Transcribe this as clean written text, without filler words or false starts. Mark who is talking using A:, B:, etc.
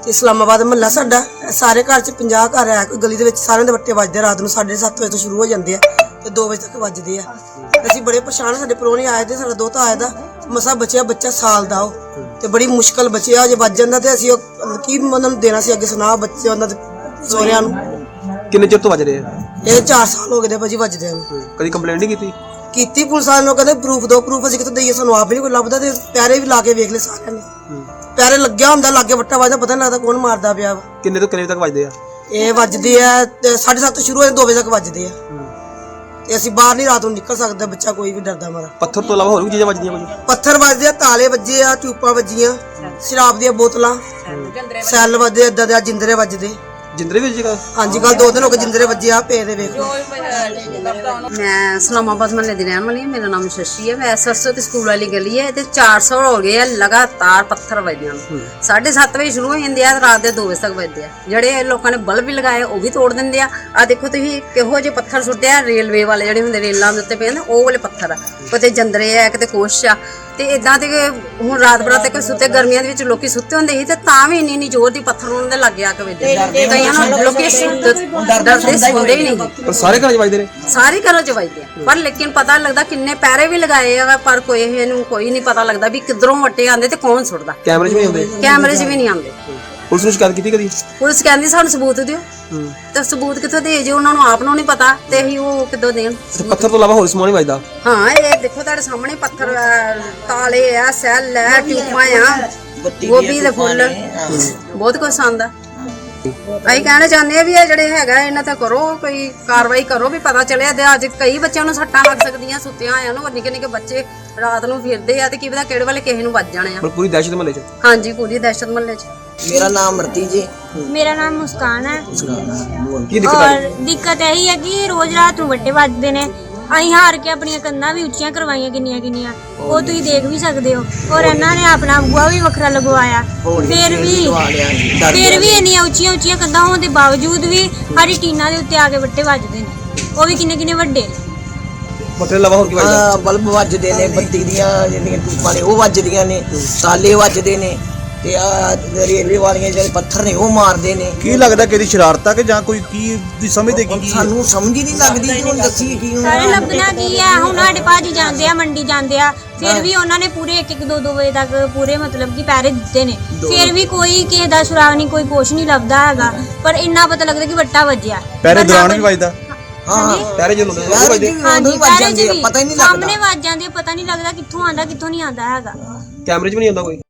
A: इस्लामाबाद महल्ला साडा सारे घर च 50 घर है कोई गली दे विच सारे दे वट्टे वजदे रात नूं 7:30 बजे तो शुरू हो जांदे आ ते 2 बजे तक वजदे आ। असीं बड़े परेशान साडे परौणे आए ते साडा दोता आया दा मसा बच्चा बच्चा साल दा ओ ते बड़ी मुश्किल बच्चा जे वज जांदा ते असीं की उन्हां नूं देना सी अगे सुना बच्चे उन्हां दे सोहरिਆਂ नूं
B: किन्ने चिर तो वज रहे हैं?
A: ये 4 साल हो गए दे भाजी वजदे नूं।
B: कभी कंप्लेंट नहीं की?
A: ਕੀਤੀ ਪੁਲਿਸ ਵਾਲਿਆਂ ਨੂੰ ਕਹਿੰਦੇ ਪ੍ਰੂਫ ਦੋ ਪ੍ਰੂਫ ਅਸੀਂ ਕਿੱਥੋਂ ਦਈਏ ਸਾਨੂੰ ਆਪ ਵੀ ਨਹੀਂ ਕੋਈ ਲੱਭਦਾ ਤੇ ਪੈਰੇ ਵੀ ਲਾ ਕੇ ਵੇਖ ਲੈ ਸਾਰਿਆਂ ਨੇ ਪੈਰੇ ਲੱਗਿਆ ਹੁੰਦਾ ਲਾਗੇ ਵੱਟਾ ਵੱਜਦਾ ਪਤਾ ਨਹੀਂ ਲੱਗਦਾ ਕੌਣ ਮਾਰਦਾ ਪਿਆ ਵਾ।
B: ਕਿੰਨੇ ਤੋਂ ਕਿੰਨੇ ਤੱਕ ਵੱਜਦੇ ਆ?
A: ਇਹ ਵੱਜਦੇ ਆ 7:30 ਤੋਂ ਸ਼ੁਰੂ ਹੋ ਜਾਂਦੇ 2 ਵਜੇ ਤੱਕ ਵੱਜਦੇ ਆ ਤੇ ਅਸੀਂ ਬਾਹਰ ਨਹੀਂ ਰਾਤ ਨੂੰ ਨਿਕਲ ਸਕਦੇ ਬੱਚਾ ਕੋਈ ਵੀ ਡਰਦਾ ਮਾਰਾ।
B: ਪੱਥਰ ਤੋਂ ਇਲਾਵਾ ਹੋਰ ਵੀ ਚੀਜ਼ਾਂ ਵੱਜਦੀਆਂ ਕੁਝ?
A: ਪੱਥਰ ਵੱਜਦੇ ਆ ਤਾਲੇ ਵੱਜੇ ਆ ਟਿਊਪਾਂ ਵੱਜੀਆਂ ਸ਼ਰਾਬ ਦੀਆਂ ਬੋਤਲਾਂ ਸੈੱਲ ਵੱਜਦੇ ਏਦਾਂ ਦੇ ਜਿੰਦਰੇ ਵੱਜਦੇ
B: ਜਿੰਦਰੇ ਵਿੱਚ ਜਗ੍ਹਾ?
A: ਹਾਂਜੀ ਕੱਲ 2 ਦਿਨ ਹੋ ਗਏ ਜਿੰਦਰੇ ਵੱਜੇ ਆ ਪੇ ਦੇ ਵੇਖ ਲਓ।
C: मैं इस्लामाबाद महल्ले की रहने वाली हूँ। मेरा नाम शशि है। मैं सरस्वती स्कूल वाली गली है ते 400 हो गए है लगातार पत्थर वजदे 7:30 बजे शुरू हो जाते हैं रात के 2 बजे तक वजदे आ। ਜਿਹੜੇ ਲੋਕਾਂ ਨੇ ਬਲਬ ਵੀ ਲਗਾਏ ਉਹ ਵੀ ਤੋੜ ਦਿੰਦੇ ਆ ਦੇਖੋ ਤੁਸੀਂ ਕਿਹੋ ਜਿਹੇ ਪੱਥਰ ਸੁੱਟਦੇ ਆ ਰੇਲਵੇ ਵਾਲੇ ਜਿਹੜੇ ਹੁੰਦੇ ਰੇਲਾਂ ਦੇ ਉੱਤੇ ਪਏ ਨੇ ਉਹ ਵਾਲੇ ਪੱਥਰ ਆ ਕਿਤੇ ਜੰਦਰੇ ਆ ਕਿਤੇ ਕੁਛ ਆ ਤੇ ਇਦਾਂ ਤੇ ਹੁਣ ਰਾਤ ਬਰਾਤ ਤੇ ਕੋਈ ਸੁੱਤੇ ਗਰਮੀਆਂ ਦੇ ਵਿੱਚ ਲੋਕੀ ਸੁੱਤੇ ਹੁੰਦੇ ਸੀ ਤੇ ਤਾਂ ਵੀ ਇੰਨੀ ਜ਼ੋਰ ਦੀ ਪੱਥਰ ਉਹਨਾਂ ਦੇ ਲੱਗੇ ਆ ਕੇ ਵੱਜਦੇ ਕਈਆਂ ਨੂੰ ਲੋਕੀ ਡਰਦੇ ਸੁਣਦੇ ਹੀ ਨਹੀਂ।
B: ਪਰ ਸਾਰੇ ਘਰਾਂ 'ਚ ਵੱਜਦੇ ਨੇ?
C: ਸਾਰੇ ਘਰਾਂ 'ਚ ਵੱਜਦੇ ਆ ਪਰ ਲੇਕਿਨ ਪਤਾ ਲੱਗਦਾ ਕਿੰਨੇ ਪੈਰੇ ਵੀ ਲਗਾਏ ਆ ਪਰ ਕੋਈ ਇਹਨੂੰ ਕੋਈ ਨਹੀਂ ਪਤਾ ਲੱਗਦਾ ਵੀ ਕਿੱਧਰੋਂ ਵੱਟੇ ਆਉਂਦੇ ਤੇ ਕੌਣ ਸੁੱਟਦਾ।
B: ਕੈਮਰੇ 'ਚ ਵੀ ਆਉਂਦੇ?
C: ਕੈਮਰੇ 'ਚ ਵੀ ਨਹੀਂ ਆਉਂਦੇ।
B: ਪੁਲਿਸ ਨੂੰ ਸ਼ਿਕਾਇਤ ਕੀਤੀ ਕਦੀ?
C: ਪੁਲਿਸ ਕਹਿੰਦੀ ਸਾਨੂੰ ਸਬੂਤ ਦਿਓ ਤੇ ਸਬੂਤ ਕਿੱਥੋਂ ਦੇ ਜੇ ਉਹਨਾਂ ਨੂੰ ਆਪ ਨੂੰ ਨਹੀਂ ਪਤਾ ਤੇ ਅਸੀਂ ਉਹ ਕਿੱਦੋਂ ਦੇਣ।
B: ਪੱਥਰ ਤੋਂ ਇਲਾਵਾ ਹੋਰ ਸਮਾਨ ਨਹੀਂ ਵੱਜਦਾ?
C: ਹਾਂ ਇਹ ਦੇਖੋ ਤੁਹਾਡੇ ਸਾਹਮਣੇ ਪੱਥਰ ਤਾਲੇ ਆ ਸੈੱਲ ਆ ਟਿਊਬਾਂ ਆ ਗੋਭੀ ਦੇ ਫੁੱਲ ਬਹੁਤ ਕੁਛ ਆਉਂਦਾ। ਅਸੀਂ ਕਹਿਣਾ ਚਾਹੁੰਦੇ ਆ ਵੀ ਇਹ ਜਿਹੜੇ ਹੈਗਾ ਇਹਨਾਂ ਤੇ ਕਰੋ ਕੋਈ ਕਾਰਵਾਈ ਕਰੋ ਵੀ ਪਤਾ ਚੱਲਿਆ ਤੇ ਅੱਜ ਕਈ ਬੱਚਿਆਂ ਨੂੰ ਸੱਟਾਂ ਲੱਗ ਸਕਦੀਆਂ ਸੁੱਤਿਆਂ ਆਇਆਂ ਨੂੰ ਨਿੱਕੇ ਨਿੱਕੇ ਬੱਚੇ ਰਾਤ ਨੂੰ ਫਿਰਦੇ ਆ ਤੇ ਕੀ ਪਤਾ ਕਿਹੜੇ ਵੇਲੇ ਕਿਸੇ ਨੂੰ ਵੱਜ ਜਾਣੇ ਆ।
B: ਪੂਰੀ ਦਹਿਸ਼ਤ ਮਹੱਲੇ 'ਚ?
C: ਹਾਂਜੀ ਪੂਰੀ ਦਹਿਸ਼ਤ ਮਹੱਲੇ 'ਚ।
D: मेरा नाम मरती जी।
E: मेरा नाम मुस्कान है।
B: ਕੀ ਦਿੱਕਤ ਆ
E: और दिक्कत यही है कि रोज रात ਨੂੰ ਵੱਟੇ ਵੱਜਦੇ ਨੇ ਅਸੀਂ ਹਾਰ ਕੇ ਆਪਣੀਆਂ ਕੰਨਾਂ ਵੀ ਉੱਚੀਆਂ ਕਰਵਾਈਆਂ ਕਿੰਨੀਆਂ ਕਿੰਨੀਆਂ ਉਹ ਤੁਸੀਂ ਦੇਖ ਵੀ ਸਕਦੇ ਹੋ ਔਰ ਇਹਨਾਂ ਨੇ ਆਪਣਾ ਬੂਆ ਵੀ ਵੱਖਰਾ ਲਗਵਾਇਆ ਫਿਰ ਵੀ ਇੰਨੀਆਂ ਉੱਚੀਆਂ ਉੱਚੀਆਂ ਕੰਧਾਂ ਹੋਣ ਦੇ ਬਾਵਜੂਦ ਵੀ ਸਾਡੀ ਟੀਨਾਂ ਦੇ ਉੱਤੇ ਆ ਕੇ ਵੱਟੇ ਵੱਜਦੇ ਨੇ ਉਹ ਵੀ ਕਿੰਨੇ ਕਿੰਨੇ ਵੱਡੇ।
B: ਪੱਥਰ ਇਲਾਵਾ ਹੋਰ ਕੀ ਵੱਜਦਾ?
D: ਬਲਬ ਵੱਜਦੇ ਨੇ ਬੱਤੀ ਦੀਆਂ ਜਿਹੜੀਆਂ ਟੂਪਾਂ ਨੇ ਉਹ ਵੱਜਦੀਆਂ ਨੇ ਤਾਲੇ ਵੱਜਦੇ ਨੇ ਤੇ ਆ ਰੇਲਵੇ ਵਾਲੀਆਂ ਜਿਹੜੇ ਪੱਥਰ ਨੇ ਉਹ ਮਾਰਦੇ ਨੇ।
F: ਕੀ ਲੱਗਦਾ ਕਿ ਇਹਦੀ ਸ਼ਰਾਰਤ ਆ ਕਿ ਜਾਂ ਕੋਈ ਕੀ ਦੀ ਸਮਝਦੇ ਕੀ
D: ਸਾਨੂੰ ਸਮਝ ਹੀ ਨਹੀਂ ਲੱਗਦੀ ਕਿ ਹੁਣ ਦੱਸੀਏ ਕੀ ਹੁਣ।
E: ਸਾਰੇ ਲੱਭਣਾ ਕੀ ਹੈ ਹੁਣ ਸਾਡੇ ਭਾਜੀ ਜਾਂਦੇ ਆ ਮੰਡੀ ਜਾਂਦੇ ਆ ਫਿਰ ਵੀ ਉਹਨਾਂ ਨੇ ਪੂਰੇ 1-1 2-2 ਵਜੇ ਤੱਕ ਪੂਰੇ ਮਤਲਬ ਕਿ ਪੈਰੇ ਦਿੱਤੇ ਨੇ ਫਿਰ ਵੀ ਕੋਈ ਕਿਸੇ ਦਾ ਸੁਰਾਗ ਨਹੀਂ ਕੋਈ ਕੁਛ ਨਹੀਂ ਲੱਭਦਾ ਹੈਗਾ ਪਰ ਇੰਨਾ ਪਤਾ ਲੱਗਦਾ ਕਿ ਵੱਟਾ ਵੱਜਿਆ
F: ਪੈਰੇ ਦੌਰਾਨ ਵੀ ਵੱਜਦਾ।
D: ਹਾਂ
B: ਪੈਰੇ ਜਦੋਂ ਵੱਜਦੇ
E: ਹਾਂਜੀ ਪੈਰੇ 'ਚ ਵੀ
D: ਪਤਾ ਹੀ ਨਹੀਂ
E: ਸਾਹਮਣੇ
D: ਲੱਗਦਾ
E: ਵੱਜ ਜਾਂਦੇ ਪਤਾ ਨਹੀਂ ਲੱਗਦਾ ਕਿੱਥੋਂ ਆਂਦਾ ਕਿੱਥੋਂ ਨਹੀਂ ਆਂਦਾ ਹੈਗਾ।
B: ਕੈਮਰੇ 'ਚ ਵੀ ਨਹੀਂ ਆਉਂਦਾ ਕੋਈ?